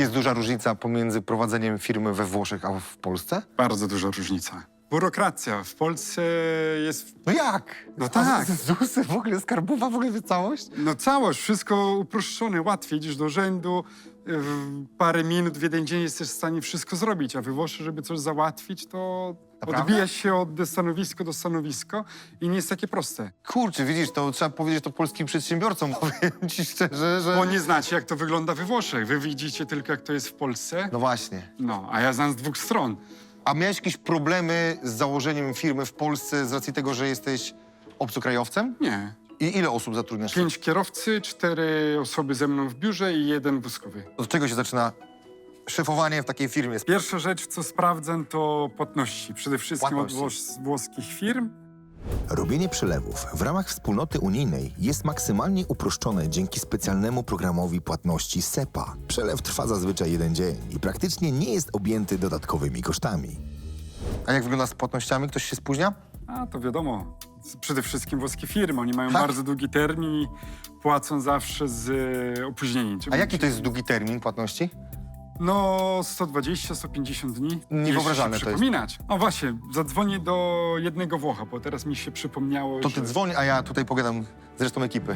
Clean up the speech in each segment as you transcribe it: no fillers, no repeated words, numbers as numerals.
Jest duża różnica pomiędzy prowadzeniem firmy we Włoszech a w Polsce? Bardzo duża różnica. Biurokracja w Polsce jest... No jak? No tak. ZUS-y, w ogóle skarbowa, w ogóle całość? No całość, wszystko uproszczone, łatwiej. Idziesz do urzędu, w parę minut, w jeden dzień jesteś w stanie wszystko zrobić, a we Włoszech, żeby coś załatwić, to Naprawdę? odbijasz się od stanowiska do stanowiska i nie jest takie proste. Kurczę, widzisz, to trzeba powiedzieć to polskim przedsiębiorcom, powiem ci szczerze, że... Bo nie znacie, jak to wygląda we Włoszech. Wy widzicie tylko, jak to jest w Polsce. No właśnie. No, a ja znam z dwóch stron. A miałeś jakieś problemy z założeniem firmy w Polsce z racji tego, że jesteś obcokrajowcem? Nie. I ile osób zatrudniasz? 5 kierowcy, 4 osoby ze mną w biurze i 1 wózkowy. Od czego się zaczyna szefowanie w takiej firmie? Pierwsza rzecz, co sprawdzam, to płatności. Przede wszystkim od Płatności. włoskich firm. Robienie przelewów w ramach wspólnoty unijnej jest maksymalnie uproszczone dzięki specjalnemu programowi płatności SEPA. Przelew trwa zazwyczaj jeden dzień i praktycznie nie jest objęty dodatkowymi kosztami. A jak wygląda z płatnościami? Ktoś się spóźnia? A to wiadomo, przede wszystkim włoskie firmy. Oni mają Tak. bardzo długi termin i płacą zawsze z opóźnieniem. A jaki to jest długi termin płatności? No 120-150 dni. Niewyobrażalne Jeśli to jest. przypominać. O właśnie, zadzwonię do jednego Włocha, bo teraz mi się przypomniało, To że... ty dzwoń, a ja tutaj pogadam z resztą ekipy.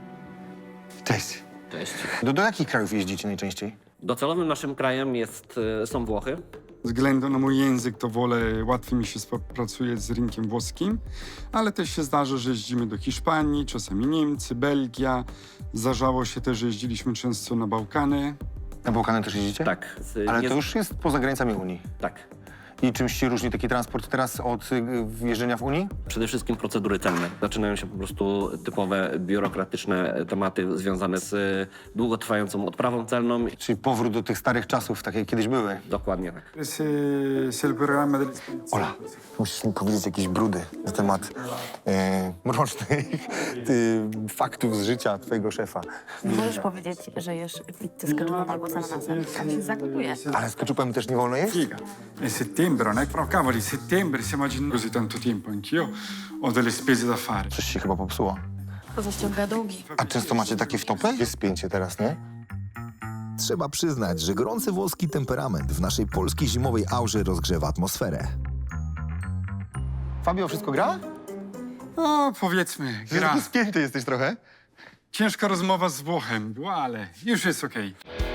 Cześć. Cześć. Do jakich krajów jeździcie najczęściej? Docelowym naszym krajem są Włochy. Ze względu na mój język to wolę, łatwiej mi się współpracuje z rynkiem włoskim, ale też się zdarza, że jeździmy do Hiszpanii, czasami Niemcy, Belgia. Zdarzało się też, że jeździliśmy często na Bałkany. Na Bałkany też jeździcie? Tak. Ale to już jest poza granicami Unii. Tak. I czymś się różni taki transport teraz od wjeżdżenia w Unii? Przede wszystkim procedury celne. Zaczynają się po prostu typowe biurokratyczne tematy związane z długotrwającą odprawą celną. Czyli powrót do tych starych czasów, takie jak kiedyś były. Dokładnie tak. Ola, musisz mi powiedzieć jakieś brudy na temat mrocznych faktów z życia twojego szefa. Możesz powiedzieć, że jesz pizzę z ketchupem albo z ananasem. Tam się zagotuje. Ale z keczupem też nie wolno jeść? Figa. È settembre, non è però cavoli, settembre, stiamo agendo così tanto tempo. Anch'io ho delle spese da fare. Coś się chyba popsuło. To ściąga długi. A często macie takie wtopy? Jest spięcie teraz, nie? Trzeba przyznać, że gorący włoski temperament w naszej polskiej zimowej aurze rozgrzewa atmosferę. Fabio, wszystko gra? No, powiedzmy, gra. Spięty jesteś trochę. Ciężka rozmowa z Włochem była, ale już jest okej.